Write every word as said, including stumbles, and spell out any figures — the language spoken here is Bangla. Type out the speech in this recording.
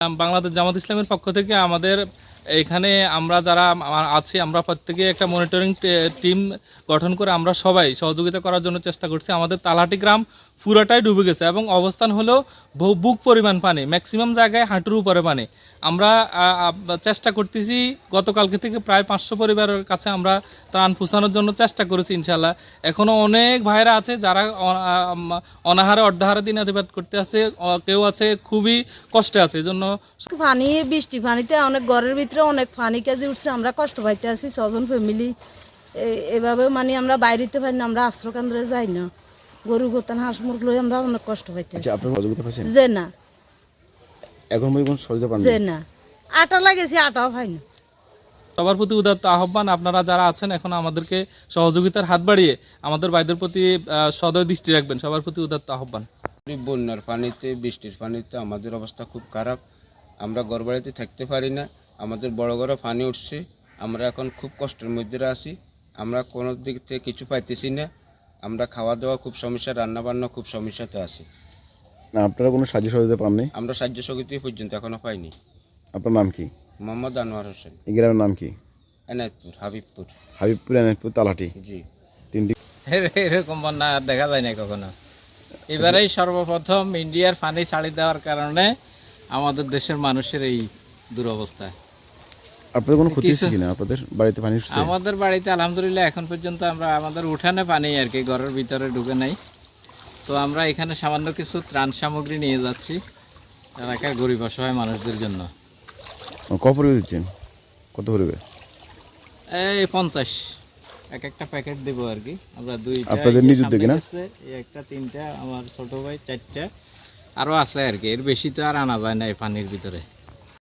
বাংলাদেশ জামাত ইসলামের পক্ষ থেকে আমাদের এখানে আমরা যারা আছি আমরা প্রত্যেকে একটা মনিটরিং টিম গঠন করে আমরা সবাই সহযোগিতা করার জন্য চেষ্টা করছি। আমাদের তালহাটি গ্রাম পুরোটাই ডুবে গেছে এবং অবস্থান হলো বুক পরিমাণ পানি, ম্যাক্সিমাম জায়গায় হাঁটুর উপরে পানি। আমরা চেষ্টা করতেছি, গতকালকে থেকে প্রায় পাঁচশো পরিবারের কাছে আমরা ত্রাণ পৌঁছানোর জন্য চেষ্টা করেছি ইনশাল্লাহ। এখনও অনেক ভাইরা আছে যারা অনাহারে অর্ধাহারে দিন অতিবাদ করতে আছে, কেউ আছে খুবই কষ্টে আছে। এই জন্য পানি বৃষ্টি পানিতে অনেক ঘরের ভিতরে অনেক পানি কাজে উঠছে, আমরা কষ্ট পাইতে আছি ছজন ফ্যামিলি। এভাবে মানে আমরা বাইরেতে পারি না, আমরা আশ্রয়কেন্দ্রে যাই না, গরু গোতান হাঁস মুরগ লই আমরা অনেক কষ্ট পাইতে আছি। যে না এখন যে না আটা লাগেছে, আটাও পাই না। সবার প্রতি উদাত্ত আহ্বান, আপনারা যারা আছেন এখন আমাদেরকে সহযোগিতার হাত বাড়িয়ে আমাদের ভাইদের প্রতি সদয় দৃষ্টি রাখবেন, সবার প্রতি উদাত্ত আহ্বান। বন্যার পানিতে বৃষ্টির পানিতে আমাদের অবস্থা খুব খারাপ, আমরা ঘরবাড়িতে থাকতে পারি না, আমাদের বড় বড় পানি উঠছে, আমরা এখন খুব কষ্টের মধ্যে আছি, আমরা কোনো দিক থেকে কিছু পাইতেছি না, আমরা খাওয়া দাওয়া খুব সমস্যা, রান্না বান্না খুব সমস্যাতে আছি। আপনারা কোনো সাহায্য সহযোগিতা পাননি? আমরা সাহায্য সহযোগিতা পর্যন্ত এখনো পাইনি। আপনার নাম কি? মোহাম্মদ আনোয়ার হোসেন। এই গ্রামের নাম কি? এনায়তপুর, হাবিবপুর। হাবিবপুর, এনায়তপুর, তালহাটি। জি। তিনটি এরকম বন্যা দেখা যায় না কখনো। এবারেই সর্বপ্রথম ইন্ডিয়ার পানি ছাড়ি দেওয়ার কারণে আমাদের দেশের মানুষের এই দুরবস্থা। আপনাদের কোনো ক্ষতি হচ্ছে কিনা? আপনাদের বাড়িতে পানি উঠছে? আমাদের বাড়িতে আলহামদুলিল্লাহ এখন পর্যন্ত আমরা আমাদের উঠানে পানি আর কি, ঘরের ভিতরে ঢুকে নাই। তো আমরা এখানে সামান্য কিছু ত্রাণ সামগ্রী নিয়ে যাচ্ছি এলাকার গরিব অসহায় মানুষদের জন্য। কত পরিবে দিচ্ছেন? কত পরিবে? এই পঞ্চাশ এক একটা প্যাকেট দেবো আর কি আমরা। দুই আপনাদের নিজের দিকে না? একটা, তিনটা, আমার ছোট ভাই চারটা, আরও আছে আর কি। এর বেশি তো আর আনা যায় না এই পানির ভিতরে।